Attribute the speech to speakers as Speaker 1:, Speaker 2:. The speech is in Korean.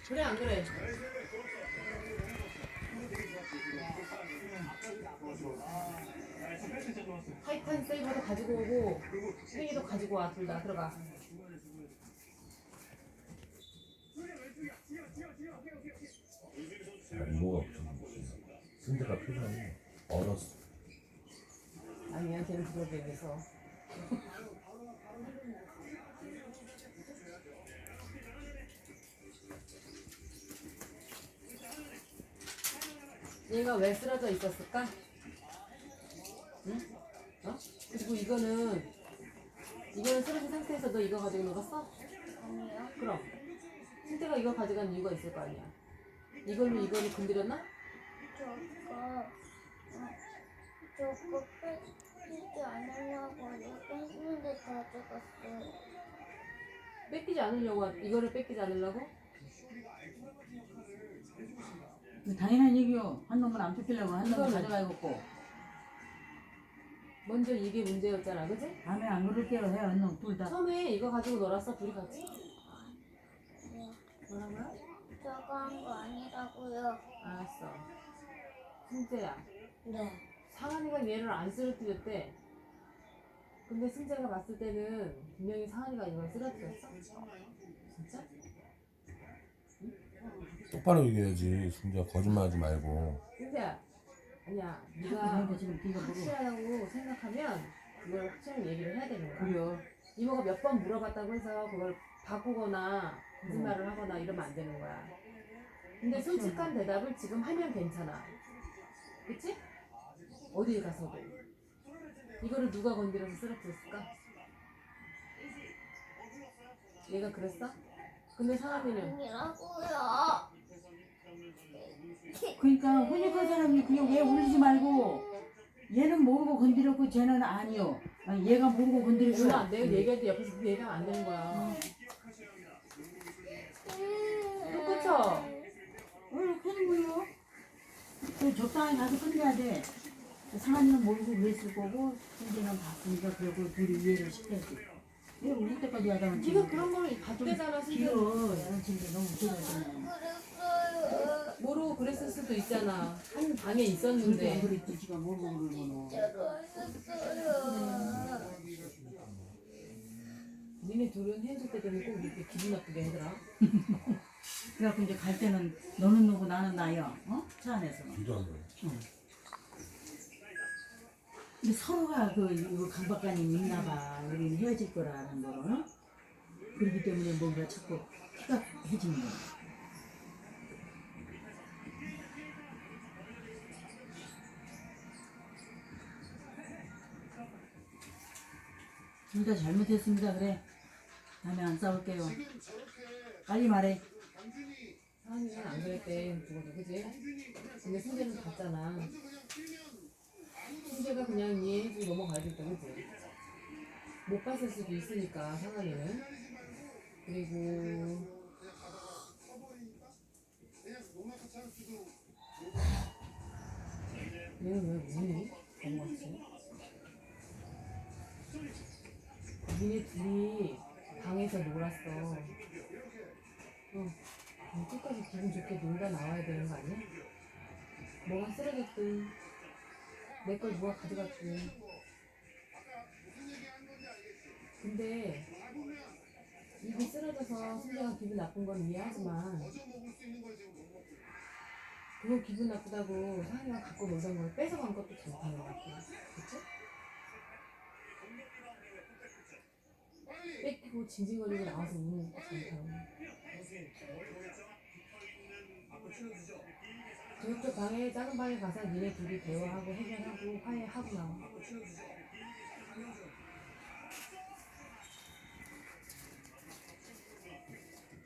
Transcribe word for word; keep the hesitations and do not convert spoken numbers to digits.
Speaker 1: 그래 안 그래? 타이탄 세이버도 가지고 오고 팽이도 가지고 와. 둘 다 들어가.
Speaker 2: 이모가 승재가 표정이 얼었어.
Speaker 1: 아니야 걔는 그걸 얘기해서. 얘가 왜 쓰러져 있었을까? 응? 어? 그리고 이거는 이거는 쓰러진 상태에서 너 이거 가지고 놀았어?
Speaker 3: 아니요.
Speaker 1: 그럼 승태가 이걸 가져간 이유가 있을 거 아니야. 이걸로 이거를 건드렸나?
Speaker 3: 저거, 어, 저거 뺏기지 않으려고 이거 뺏는데 가져갔어요.
Speaker 1: 뺏기지 않으려고 하- 이거를 뺏기지 않으려고?
Speaker 4: 당연한 얘기요. 한 놈은 안 뺏기려고 한 놈은
Speaker 1: 이거는-
Speaker 4: 가져가야겠고.
Speaker 1: 먼저 이게 문제였잖아, 그지?
Speaker 4: 다음에 안 그럴게요. 해, 한 놈 둘 다.
Speaker 1: 처음에 이거 가지고 놀았어, 둘이 같이?
Speaker 3: 네.
Speaker 1: 뭐라고요?
Speaker 3: 저거 한 거 아니라고요.
Speaker 1: 알았어. 승재야,
Speaker 3: 네.
Speaker 1: 상한이가 얘를 안 쓰러뜨렸대. 근데 승재가 봤을 때는 분명히 상한이가 이걸 쓰러뜨렸어? 진짜?
Speaker 2: 똑바로 얘기해야지. 승재야 거짓말하지 말고.
Speaker 1: 승재야, 아니야. 네가
Speaker 4: 그러니까 지금 네가 보고.
Speaker 1: 확실하다고 생각하면 그걸 확실히 얘기를 해야 되는 거야.
Speaker 4: 그래요.
Speaker 1: 이모가 몇 번 물어봤다고 해서 그걸 바꾸거나 거짓말을 하거나 이러면 안 되는 거야. 근데 솔직한 대답을 지금 하면 괜찮아. 그치? 어딜 가서도. 이거를 누가 건드려서 쓰러뜨렸을까? 얘가 그랬어? 근데 상한이는
Speaker 3: 아니라고요.
Speaker 4: 그러니까 훈육한 사람이 그냥 왜 울리지 말고 얘는 모르고 건드렸고 쟤는 아니요. 아니, 얘가 모르고 건드렸어.
Speaker 1: 몰라. 내가 얘기할 때 옆에서 그 얘기하면 안 되는 거야. 또 그쵸?
Speaker 4: 왜 이렇게 하는 거예요? 그 적당히 가서 끝내야 돼. 상한이는 모르고 그랬을 거고 승재는 봤으니까 그러고 둘이 이해를 시켜야지. 왜 우리 때까지 하다가
Speaker 1: 네가 그런 걸 봤대잖아,
Speaker 4: 길어.
Speaker 1: 승재.
Speaker 4: 나는 진짜 너무 길어잖아.
Speaker 3: 그랬어요.
Speaker 1: 모르고 그랬을 수도 있잖아. 한 방에
Speaker 4: 근데
Speaker 1: 있었는데.
Speaker 4: 그랬지 지가 모르고 그러면.
Speaker 3: 진짜로 했었어요.
Speaker 1: 니네 둘은 헤어질 때 되면 꼭 이렇게 기분 나쁘게 하더라.
Speaker 4: 그래갖고 이제 갈 때는 너는 누구 나는 나야. 어? 차 안에서.
Speaker 2: 뒤도 안 돼.
Speaker 4: 응. 근데 서로가 그 이거 강박관이 있나 봐. 우리는 헤어질 거라는 거를. 어? 그렇기 때문에 뭔가 자꾸 피곤해지는 거야. 둘 다 잘못했습니다. 그래. 다음에 안 싸울게요. 빨리 말해.
Speaker 1: 상한이는 안 그랬대, 죽어도, 그지? 근데 승재는 봤잖아. 승재가 그냥 이해해주고 넘어가야겠다, 그지? 못 봤을 수도 있으니까, 상한이는. 그리고, 얘는 왜 우니? 엄마지? 니네 둘이 방에서 놀았어. 어. 그럼 끝까지 기분 좋게 놀다 나와야 되는 거 아니야? 뭐가 쓰러졌든 내 걸 누가 가져갔든. 근데 입이 쓰러져서 승재가 기분 나쁜 건 이해하지만 그거 기분 나쁘다고 상이가 갖고 놀던 걸 뺏어간 것도 잘못한 것 같아. 그치? 뺏기고 징징거리고 나와서 우는 것도 잘못한 거. 저쪽 방에 작은 방에 가서 니네 둘이 대화하고 해결하고 화해하고 나와.